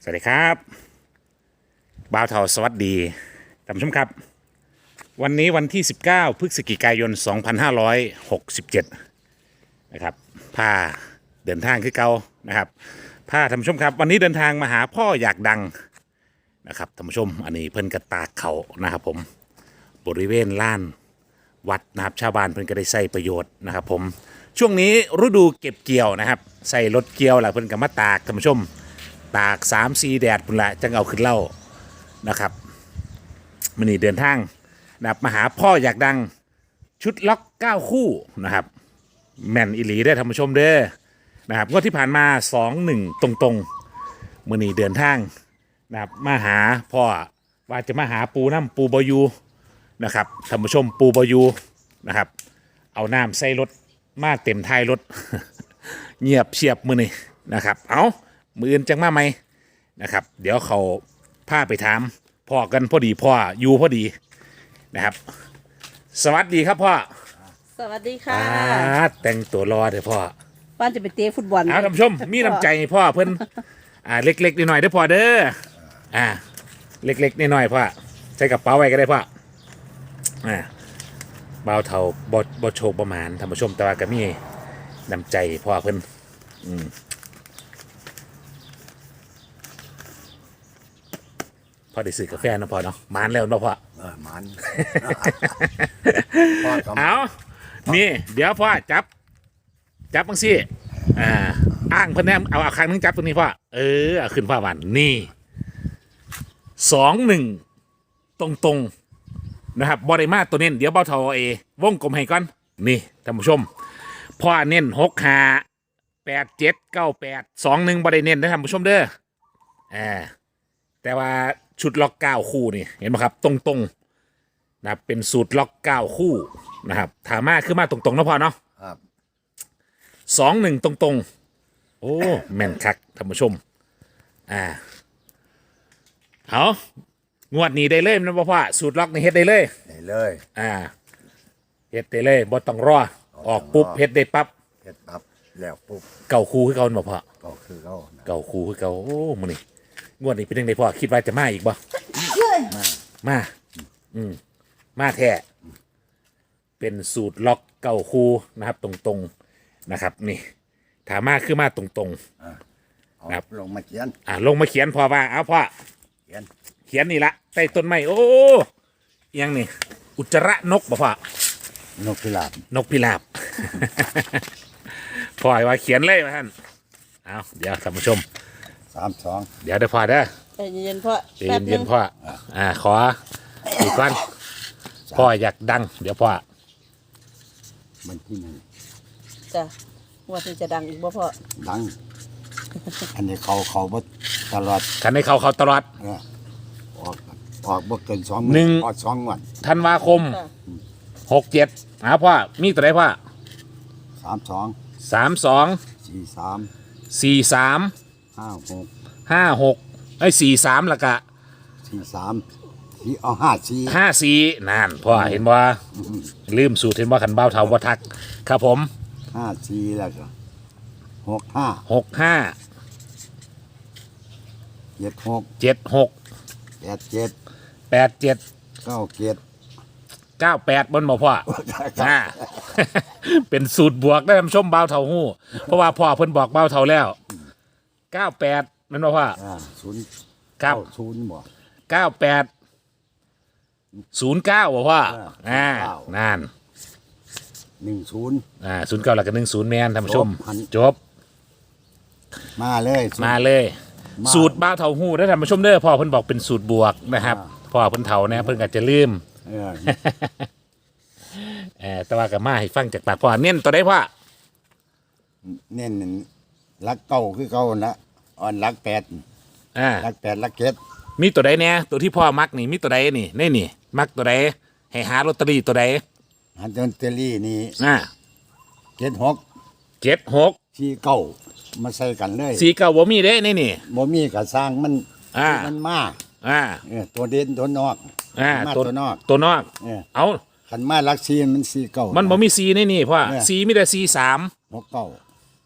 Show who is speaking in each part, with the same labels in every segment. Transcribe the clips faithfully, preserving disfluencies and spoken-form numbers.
Speaker 1: สวัสดีครับบ่าวเทาสวัสดีท่านผู้ชมครับวันนี้วันที่สิบเก้าพฤศจิกายนสองพันห้าร้อยหกสิบเจ็ดนะครับพาเดินทางคือเก่านะครับพาท่านผู้ชมครับวันนี้เดินทางมาหาพ่ออยากดังนะครับท่านผู้ชมอันนี้เพิ่นกระตากเขานะครับผมบริเวณลานวัดนะครับชาวบ้านเพิ่นก็ได้ใช้ประโยชน์นะครับผมช่วงนี้ฤดูเก็บเกี่ยวนะครับใส่รถเกี่ยวแหละเพิ่นก็มาตากท่านผู้ชมตากสามสี่แดดพุ่นละจังเอาขึ้นเล่านะครับมันนี่เดินทางนะครับมาหาพ่ออยากดังชุดล็อกเก้าคู่นะครับแม่นอิหลีได้อท่านผู้ชมเด้อนะครับงวดที่ผ่านมาสองหนึ่งตรงๆมันนี่เดินทางนะครับมาหาพ่อว่าจะมาหาปูน้ำปูบอยูนะครับท่านผู้ชมปูบอยูนะครับเอาน้ำใส่รถมาเต็มท้ายรถ เงียบเชียบมือนี่นะครับเอามืออื่นจังมาไหมนะครับเดี๋ยวเขาพาไปถามพ่อกันพอดีพ่ออยู่พอดีนะครับสวัสดีครับพ่อ
Speaker 2: สวัสดีค่ะ
Speaker 1: อ่าแต่งตัวรอเถอะพ่อ
Speaker 2: ป้านจะไปเตะฟุตบอล
Speaker 1: เอาท่านผู้ชมมีน้ำใจพ่อเพิ่นอ่าเล็กๆหน่อยๆเด้อพ่อเด้ออ่าเล็กๆหน่อยๆพ่อใส่กระเป๋าไว้ก็ได้พ่ออ่าเบาเท่าบ่บ่โชคประมาณท่านผู้ชมแต่ว่าก็มีน้ำใจพ่อเพิ่นอืมพอได้ซื้อกาแฟนะพ่อเนาะมานแล้วเนาะพ่อ
Speaker 3: เออมัน
Speaker 1: เอานี่เดี๋ยวพ่อจับจับบังซี่อ่าอ้างเพิ่นแนมเอาเอาครั้งนึงจับตรงนี้พ่อเออเอาขึ้นพ่อวันนี่สองหนึ่งตรงตรงนะครับบริมาตัวเน้นเดี๋ยวเบาเทาเอวงกลมให้ก่อนนี่ท่านผู้ชมพ่อเน้นหกห้าแปดเจ็ดเก้าแปดสองหนึ่งบริเน้นนะท่านผู้ชมเด้ออ่าแต่ว่าชุดล็อกเก้าคู่นี่เห็นไหมครับตรงตรงนะครับเป็นสูตรล็อกเก้าคู่นะครับถามาคือมาตรงตรงนะพ่อเนาะ
Speaker 3: ครับ
Speaker 1: สองหนึ่งตรงตรงโอ้แม่นคักท่านผู้ชมอ่าเอางวดนี้ได้เลยนะพ่อสูตรล็อกนี่เฮ็ดได้เลย
Speaker 3: ได้เลย
Speaker 1: อ่าเฮ็ดได้เลยบ่ต้องรอออกปุ๊บเฮ็ดได้ปั๊บ
Speaker 3: เฮ็ดปั๊บแล้วปุ๊บ
Speaker 1: เก่าคู่คือเก่าบ่พ่อ
Speaker 3: ก็คือเขา
Speaker 1: เก่าคู่คือเก่าโอ้มื้อนี้งวดนี้เป็นจังไดพ่อคิดว่าจะมาอีกบ่มามาอืมมาแท้เป็นสูตรล็อกเก่าคู่นะครับตรงๆนะครับนี่ถามมาคือมาตรงๆนะครับ
Speaker 3: ลงมาเขียน
Speaker 1: อ่าลงมาเขียนพอว่าเอาพ่อ
Speaker 3: เขียน
Speaker 1: เขียนนี่ละใต้ต้นไม้โอ้ยังนี่อุจจาระนกบ่พ่อน
Speaker 3: กพิราบ
Speaker 1: นกพิราบ พ่อว่าเขียนเลยว่าท่านเอาเดี๋ยวท่านผู้ชม
Speaker 3: สามสอง
Speaker 1: เดี๋ยวเดี๋ยวพ่อเด้อ
Speaker 2: ใจเย็นๆพ่อ
Speaker 1: ใจเย็นๆพ่ออ่าขออีกก่อนพ่ออยากดังเดี๋ยวพ่อ
Speaker 3: มันที่หนึ่ง
Speaker 2: จ้ะว่าที่จะดังอีกบ่พ่อ
Speaker 3: ดังอันนี้เขาเขาบ่ตลอด
Speaker 1: คันให้เขาเขาตลอด
Speaker 3: ออกออกบ่เกินสอง
Speaker 1: หนึ่ง
Speaker 3: ออกสองวัน
Speaker 1: ธันวาคมหกเจ็ดหาพ่อมีตัวไหนพ่อ
Speaker 3: สามสอง
Speaker 1: สามสอง
Speaker 3: สี่สาม
Speaker 1: สี่สาม
Speaker 3: ห้าหก
Speaker 1: ห้าหกไอ้สี่สามละกะ
Speaker 3: สี่สามสี่เอาห้าสี่
Speaker 1: ห้าสี่นั่นพ่อเห็นบ่ลืมสูตรเห็นบ่ขันเบ้าเท่าบ่ทักครับผม
Speaker 3: ห้าสี่แล้วก็หกห้า
Speaker 1: หกห้า
Speaker 3: เจ็ดหก
Speaker 1: เจ็ดหก
Speaker 3: แปดเจ็ด
Speaker 1: แปดเจ็ด
Speaker 3: เก้าเจ็ด
Speaker 1: เก้าแปดบนบ่พ่ออ่าเป็นสูตรบวกได้ทำชมเบ้าเท่าหู้เพราะว่าพ่อเพิ่นบอกเบ้าเท่าแล้วเก้าแปดนั่นบ่พ่อ
Speaker 3: ศูนย์
Speaker 1: เก้า
Speaker 3: ศูนย์บ่
Speaker 1: เก้าแปดศูนย์เก้าบ่พ่ออ่านั่น
Speaker 3: หนึ่งศูนย์
Speaker 1: อ่าศูนย์เก้าแล้วก็หนึ่งศูนย์แมนท่านผู้ชมจบ
Speaker 3: มาเลย
Speaker 1: มาเลยสูตรบ้าเท่าหู้ได้ท่านผู้ชมเด้อพ่อเพิ่นบอกเป็นสูตรบวกนะครับพ่อเพิ่นเท่าเนี่ยเพิ่นอาจจะลืม
Speaker 3: เออ
Speaker 1: เออแต่ว่าก็มาให้ฟังจากปากพ่อเน้นตัวใดพ่อ
Speaker 3: เน้นรักเก้าคือเก้านะอ่อนรักแปด
Speaker 1: อ่า
Speaker 3: รักแปดรักเจ็ด
Speaker 1: มีตัวใดเนี่ยตัวที่พ่อมักนี่มีตัวใดนี่นี่นี่มักตัวใดให้หาลอตเตอรี่ตัวใด
Speaker 3: หาลอตเตอรี่นี่
Speaker 1: อ่า
Speaker 3: เจ็ดหก
Speaker 1: เจ็ดหก
Speaker 3: สี่เก้ามาใส่กันเลย
Speaker 1: สี่เก้าบ่มีเด้นี่นี่
Speaker 3: บ่มีกับสร้างมัน
Speaker 1: อ่า
Speaker 3: มันมา
Speaker 1: อ่า
Speaker 3: เออตัวเด่นตัวนอก
Speaker 1: อ่า
Speaker 3: ตัวนอก
Speaker 1: ตัวนอก
Speaker 3: เออ
Speaker 1: เอา
Speaker 3: ขันมารักซีมันสี่เก้า
Speaker 1: มันบ่มีสี่นี่นี่พ่อสี่มีแต่สี่สาม
Speaker 3: หกเก้า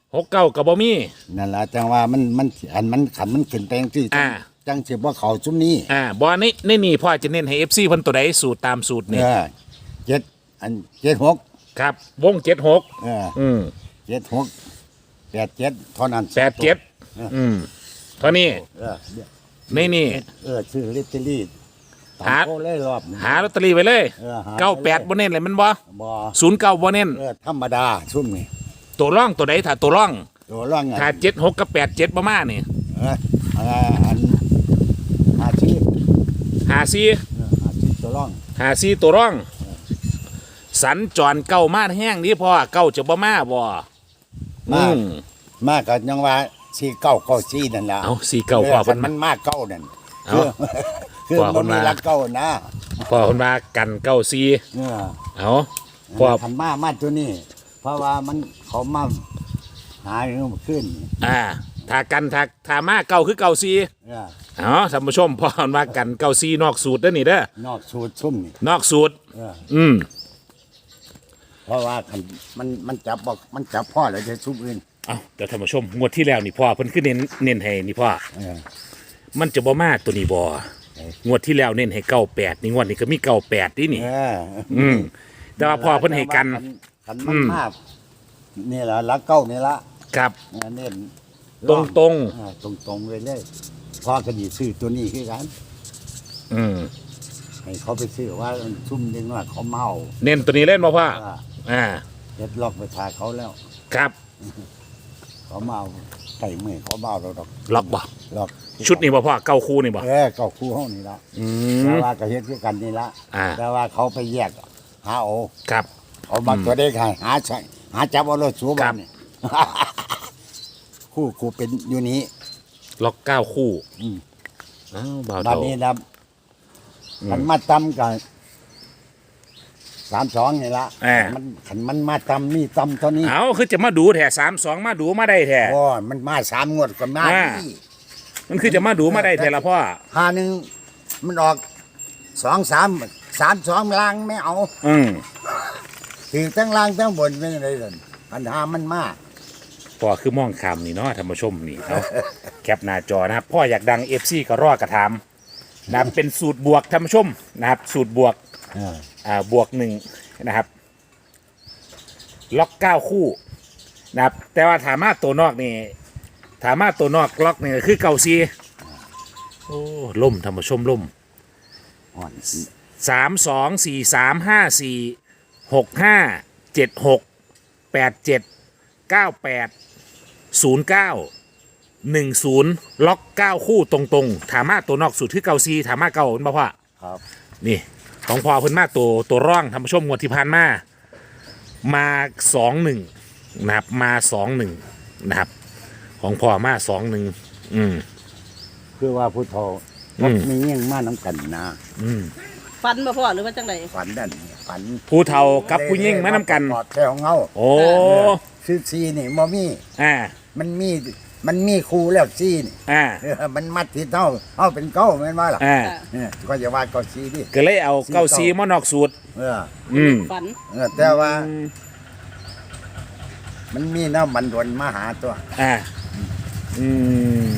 Speaker 1: หกเก้ากับบ่มี
Speaker 3: นั่นล่ะจังว่ามันมันอันมันขันมันขึ้นไปจังซี่
Speaker 1: อ่า
Speaker 3: จังสิบ่เข้าซุมนี้
Speaker 1: อ่าบ่ในในนี่พ่อจะเน้นให้ เอฟ ซี เพิ่นตัวใดสูตรตามสูตรนี่
Speaker 3: เออเจ็ดอันเจ็ดหก
Speaker 1: ครับวงเจ็ดหก
Speaker 3: เออ
Speaker 1: อืม
Speaker 3: เจ็ดหกแปดเจ็ดเท่านั้น
Speaker 1: แปดเจ็ดอืมเท่านี้
Speaker 3: เออเดี๋ยว
Speaker 1: ในนี่
Speaker 3: เออชื่อลิตเตอรี่
Speaker 1: หา
Speaker 3: โคเลยรอบนี้
Speaker 1: หาลอตเตอรี่ไว้เลย
Speaker 3: เออหา
Speaker 1: เก้าแปดบ่เน้นเลยมันบ่
Speaker 3: บ่
Speaker 1: ศูนย์เก้าบ่เน้น
Speaker 3: เออธรรมดาซุ่มนี่
Speaker 1: ตัวร่องตัวใดถ้าตัวร่อง
Speaker 3: ตัวร่องอ่ะ
Speaker 1: ถ้าเจ็ดหกกับแปดเจ็ดประมาณนี่
Speaker 3: เออเอออันอาชีพ
Speaker 1: หาซี
Speaker 3: เอออาชีพตัวร่อง
Speaker 1: หาซีตัวร่อง สัญจรเก้ามาแห้งนี่พ่อเก้าจะบ่มาบ่อื
Speaker 3: มาก
Speaker 1: ม
Speaker 3: มากก็ยังว่าสี่เก้าเก้าสี่นั่นแหละ
Speaker 1: เอาสี่เก้าพ่อ
Speaker 3: มั
Speaker 1: เพิ่น
Speaker 3: น
Speaker 1: มา
Speaker 3: มันมากเก้านั่น
Speaker 1: เอา
Speaker 3: คือคือ
Speaker 1: พ่อเพิ่
Speaker 3: มัน
Speaker 1: น
Speaker 3: มี
Speaker 1: มา
Speaker 3: รักเก้านะ
Speaker 1: พ่อเพิ่นว่ากันเก้าซี
Speaker 3: เออ
Speaker 1: เอาพ่อ
Speaker 3: ขันมามาตัวนี้ เพราะว่ามันเขามาหาเรื่องขึ้น
Speaker 1: อ่าถ้ากันถ้าถ้ามาเก้าคือเก้าซี
Speaker 3: เออ
Speaker 1: เอาท่านผู้ชมพ่อเพิ่นว่ากันเก้าซีนอกสูตรเด้อนี่เด้อน
Speaker 3: อกสูตรซุ่มนี่
Speaker 1: นอกสูตร
Speaker 3: เออ
Speaker 1: อืม
Speaker 3: เพราะว่าคันมันมันจับบอกมันจับพ่อแล้วจะซุ่มอื่น
Speaker 1: เอาเดี๋ยวท่านผู้ชมงวดที่แล้วนี่พ่อเพิ่นคือเน้นเน้นให้นี่พ่อ
Speaker 3: เออ
Speaker 1: มันจะบ่มาตัวนี้บ่
Speaker 3: เอ้ย
Speaker 1: งวดที่แล้วเน้นให้เก้าแปดนี่งวดนี้ก็มีเก้าแปดนี่นี่
Speaker 3: เออ
Speaker 1: อืมแต่ว่าพ่อเพิ่นให้กัน
Speaker 3: ขันมัน
Speaker 1: อืม
Speaker 3: มากนี่แหละรักเก้านี่ละ
Speaker 1: ครับ
Speaker 3: เออเน้น
Speaker 1: ตรงตรง
Speaker 3: ตรงตรงๆเลยเลยพ่อก็ดีซื้อตัวนี้คือกัน
Speaker 1: ๆอืม
Speaker 3: ให้เขาไปซื้อว่าซุ่มนึงว่าเขาเมา
Speaker 1: เน้นตัวนี้เล่นบ่พ่อ
Speaker 3: ว่า
Speaker 1: อ่า
Speaker 3: เฮ็ดล็อกไปทาเขาแล้ว
Speaker 1: ครับ
Speaker 3: เขาเมาไก่มือเขาเมาเราดอก
Speaker 1: ล็อกบ่
Speaker 3: ล็อก
Speaker 1: ชุดนี้บ่พ่อเก้าคู่นี่บ่
Speaker 3: เออเก้าคู่ห้องนี่ละ
Speaker 1: อื
Speaker 3: แต่
Speaker 1: ม
Speaker 3: ว่าก็เฮ็ดคือกันนี่ละ
Speaker 1: อ่า
Speaker 3: แต่ว่าเขาไปแยกหาโอา
Speaker 1: ครับ
Speaker 3: เอามาตัวเด็กให้หาใช่หาจับเอารถสูบ
Speaker 1: ครับ
Speaker 3: นี่ คู่คู่เป็นอยู่นี้
Speaker 1: ล็อกเก้าคู่
Speaker 3: อืม
Speaker 1: อ้าวบ่าว
Speaker 3: บัด
Speaker 1: เฒ่า
Speaker 3: นี้นะ
Speaker 1: อืม
Speaker 3: มันมาตำกันสามสองนี่ละ
Speaker 1: อ่า
Speaker 3: มันขันมันมาตำนี่ตำเท่านี้
Speaker 1: เอาคือจะมาดูแท้สามสองมาดูมาได้แท้
Speaker 3: โอ้ยมันมาสามงวดก็มา
Speaker 1: อ่า
Speaker 3: ที่
Speaker 1: มันคือจะมาดูมาได้แท้ละพ่อ
Speaker 3: หาหนึ่งมันออกสองสามสามสองล่างไม่เอา
Speaker 1: อืม
Speaker 3: ถือทั้งล่างทั้งบนไม่ได้เลยปัญหามันมาก
Speaker 1: พ่อคือมองคำนี่เนาะท่านผู้ชมนี่เอาแคปหน้าจอนะครับพ่ออยากดัง เอฟ ซี ก็รอกระทำนะครับเป็นสูตรบวกท่านผู้ชมนะครับสูตรบวก
Speaker 3: เออ
Speaker 1: อ่าบวกหนึ่งนะครับ ล็อกเก้าคู่นะครับแต่ว่าถามาตัวนอกนี่ถามาตัวนอกล็อกนี่ก็คือเก้าซีโอ้ล่มท่านผู้ชมล่ม
Speaker 3: อ่อน
Speaker 1: สามสองสี่สามห้าสี่หกห้าเจ็ดหกแปดเจ็ดเก้าแปดศูนย์เก้าหนึ่งศูนย์ล็อกเก้าคู่ตรงๆถามาตัวนอกสุดคือเก้าซีถามาเก้าเป็นบ่พ่อ
Speaker 3: ครับ
Speaker 1: นี่ของพอเพิ่นมาตัวตัวร่องทำชมงวดที่ผ่านมา มาสองหนึ่งนะครับมาสองหนึ่งนะครับ ของพ่อมาสองหนึ่งอืม
Speaker 3: คือว่าผู้เฒ่า
Speaker 1: อืม
Speaker 3: มีเงี้ยงมาน้ำกันนะ
Speaker 1: อืม
Speaker 2: ฟันบ่พ่อหรือว่าจังได
Speaker 3: ฝันนั่นฝัน
Speaker 1: ผู้เฒ่ากับผู้ยิ่งมานำกัน
Speaker 3: ปลอดแถวเงา
Speaker 1: โอ้
Speaker 3: ซื้อซีนี่มอมี่
Speaker 1: อ่า
Speaker 3: มันมีมันมีครูแล้วซีนี่
Speaker 1: อ่า
Speaker 3: เออมันมัดที่เท่าเท่าเป็นเก้าแม่นว่าล่ะ
Speaker 1: อ่า
Speaker 3: เออก็จะว่าเก้าซีดิ
Speaker 1: ก็เลยเอาเก้าซีมานอกสูตร
Speaker 3: เออ
Speaker 1: อืม
Speaker 2: ฝัน
Speaker 3: เออแต่ว่า มันมีน้ำมันดวนมาหาตัว
Speaker 1: อ่าอืม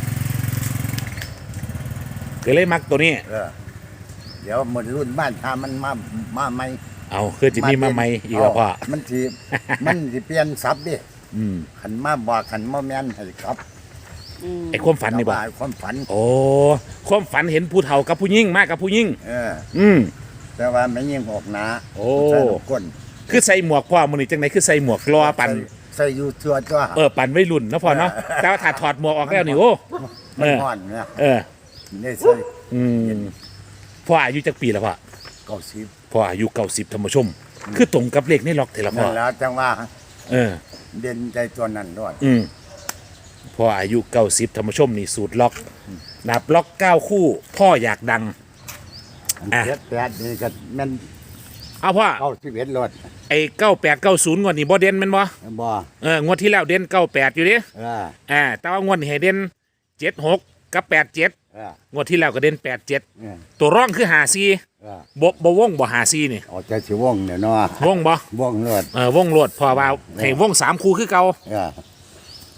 Speaker 1: ก็เลยมักตัวนี้
Speaker 3: เออ เดี๋ยวหมดรุ่นบ้านถ้ามันมามาใหม่
Speaker 1: เอาคือจะมีมาใหม่อีกแล้วพ่อ
Speaker 3: มันสิมันสิเปลี่ยนศัพท์ดิ
Speaker 1: อืม
Speaker 3: ขันมาบอกขันมาแม่นให้ครับ
Speaker 2: อืม
Speaker 1: ไอ้ความฝันนี่บ่
Speaker 3: แต่ว่าความฝัน
Speaker 1: โอ้ความฝันเห็นผู้เฒ่ากับผู้ยิ่งมากกับผู้ยิ่ง
Speaker 3: เออ
Speaker 1: อืม
Speaker 3: แต่ว่าไม่ยิ่งออกหนา
Speaker 1: โอ้
Speaker 3: ใส่ลูกก้น
Speaker 1: คือใส่หมวกพ่อมือนี่จังไหนคือใส่หมวกรอปัน
Speaker 3: ใส่ใส่อยู่ตัวตัว
Speaker 1: เออปันไว้รุ่นเนาะพ่อเนาะแต่ว่าถ้าถอดหมวกออกแล้วนี่โอ้
Speaker 3: มัน
Speaker 1: เออ
Speaker 3: ห่อนเนี่ย
Speaker 1: เออ
Speaker 3: ได้ใส่
Speaker 1: อืมพ่ออายุจักปีแล้วพ่อ
Speaker 3: เก้าสิบ
Speaker 1: พ่ออายุเก้าสิบธรรมชม คือตรงกับเลขในล็อกเทละพ่
Speaker 3: นั่
Speaker 1: อน
Speaker 3: แล้วจังว่า
Speaker 1: เออ
Speaker 3: เด่นใจตัวนั้นด้วย
Speaker 1: อืมพ่ออายุเก้าสิบธรรมชมนี่สูตรล็อกนับล็อกเก้าคู่ พ่ออยากดัง อ่ะ
Speaker 3: เจ็ดแปดนี่ก็แม่น
Speaker 1: เอาพ่อ
Speaker 3: เก้าสิบเอ็ดรถ
Speaker 1: ไอ้เก้าแปดเก้าศูนย์งวดนี้บ่เด่นแมันบ่
Speaker 3: บ่
Speaker 1: เอองวดที่แล้วเด่นเก้าแปดอยู่ดิ
Speaker 3: เออ
Speaker 1: อ่าแต่ว่างวดนี้ให้เด่นเจ็ดหกกับแปดเจ็ด
Speaker 3: เออง
Speaker 1: วดที่แล้วก็เด่นแปดเจ็ด
Speaker 3: เออ
Speaker 1: ตัวร่องคือหาซี
Speaker 3: เออ
Speaker 1: บ่บ่วงบ่หาซีนี่
Speaker 3: ออกจากสิวงเนี่ยเนาะ
Speaker 1: วงบ่
Speaker 3: วงรถ
Speaker 1: เออวงโลดพอว่าให้วงสามคู่คือเก่า
Speaker 3: เออ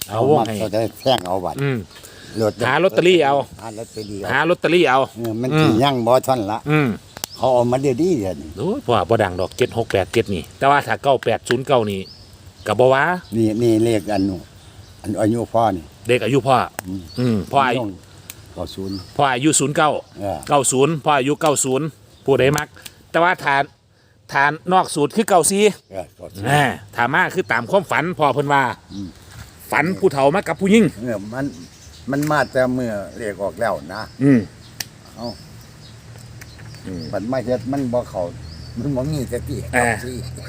Speaker 1: เอาวงให้
Speaker 3: เขาจะแท่งเอาบัตร
Speaker 1: อืม
Speaker 3: รถ
Speaker 1: หาลอตเตอรี่เอา
Speaker 3: หาลอตเตอรี่เอา
Speaker 1: หาลอตเตอรี่เอา
Speaker 3: เออมันสิยังบ่ทันละ
Speaker 1: อืม
Speaker 3: เขาเอามาเดี๋ยวนี้เดี๋ยวนี้
Speaker 1: โอ้ยพ่อบ่ดังดอกเจ็ดหกแปดเจ็ดนี่ แต่ว่าถ้าเก้าแปดศูนย์เก้านี่กับบ่ว่า
Speaker 3: นี่นี่เลขอันนู้นอันอายุพ่อนี่
Speaker 1: เด็กอายุพ่อออืมพ่ออายุ
Speaker 3: เก้าศูนย์
Speaker 1: พ่ออายุศูนย์เก้า
Speaker 3: เออ
Speaker 1: เก้าศูนย์พ่ออายุเก้าศูนย์ผู้ใดมัก แต่ว่าฐานฐานนอกสูตรคือเก้าสี่
Speaker 3: เออเก้าศูนย์
Speaker 1: อ่าถามมาคือตามความฝันพ่อเพิ่นว่า ฝันผู้เฒ่ามากับผู้หญิง
Speaker 3: เออมันมันมาแต่เมื่อเลขออกแล้วนะ
Speaker 1: อืม
Speaker 3: เอ้ามันไม่เฮ็ดมันบ่เข้ามันบ่มีสติ
Speaker 1: อ่า
Speaker 3: สิ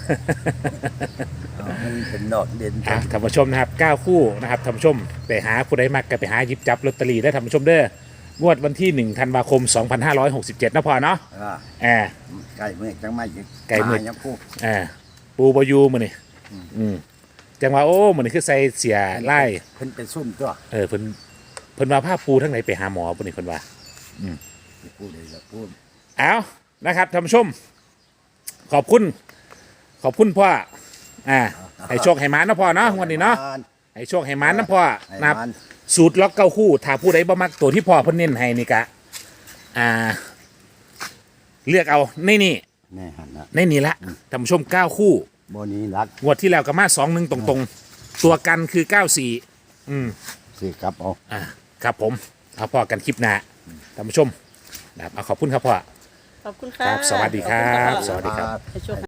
Speaker 3: เอามันเป็นดอกเด่น
Speaker 1: อ่ะท่านผู้ชมนะครับเก้าคู่นะครับท่านผู้ชมไปหาผู้ใดมักก็ไปหาหยิบจับลอตเตอรี่ได้ท่านผู้ชมเด้องวดวันที่หนึ่งธันวาคมสองพันห้าร้อยหกสิบเจ็ดนะพ่อเนาะ
Speaker 3: อ่า
Speaker 1: อ่า
Speaker 3: ไก่มือจังไม่อีก
Speaker 1: ไก่มื้อ
Speaker 3: ายังพูด
Speaker 1: อ่าปูบอยูมื้อนี่อืมจังว่าโอ้มื้อนี้คือใส่เสียไล่
Speaker 3: เพิ่นเป็นซุ่มตัว
Speaker 1: เออเพิ่นเพิ่นว่าพาปูทั้งไหนไปหาหมอปุ่นนี่เพิ่นว่า
Speaker 3: พูดเลยละพูด
Speaker 1: เอานะครับท่านผู้ชม ขอบคุณ ขอบคุณพ่ออ่าให้โชคให้หมานนะพ่อเนาะวันนี้เนาะให้โชคให้หมานนะพ่อ
Speaker 3: ให้
Speaker 1: นะครับ
Speaker 3: มัน
Speaker 1: สูตรล็อกเก้าคู่ถ้าผู้ใดบ่มักตัวที่พ่อเพิ่นเน้นให้นี่กะอ่า เลือกเอาในนี่
Speaker 3: แน่หันนะ
Speaker 1: ในนี่ละท่านผู้ชมเก้าคู่
Speaker 3: บนี้รัก
Speaker 1: งวดที่แล้วก็มาสองหนึ่งตรงๆ ตัวกันคือเก้าสี่อืม
Speaker 3: สิครับเอา
Speaker 1: อ่าครับผมเอาพ่อกันคลิปหน้าท่านผู้ชมนะครับเอาขอบคุณครับพ่อ
Speaker 2: ขอบคุณค่ะ
Speaker 1: ครับสวัสดีครับ
Speaker 2: ขอณะพ่อ
Speaker 1: สวัสดีครับ
Speaker 2: ให้โชค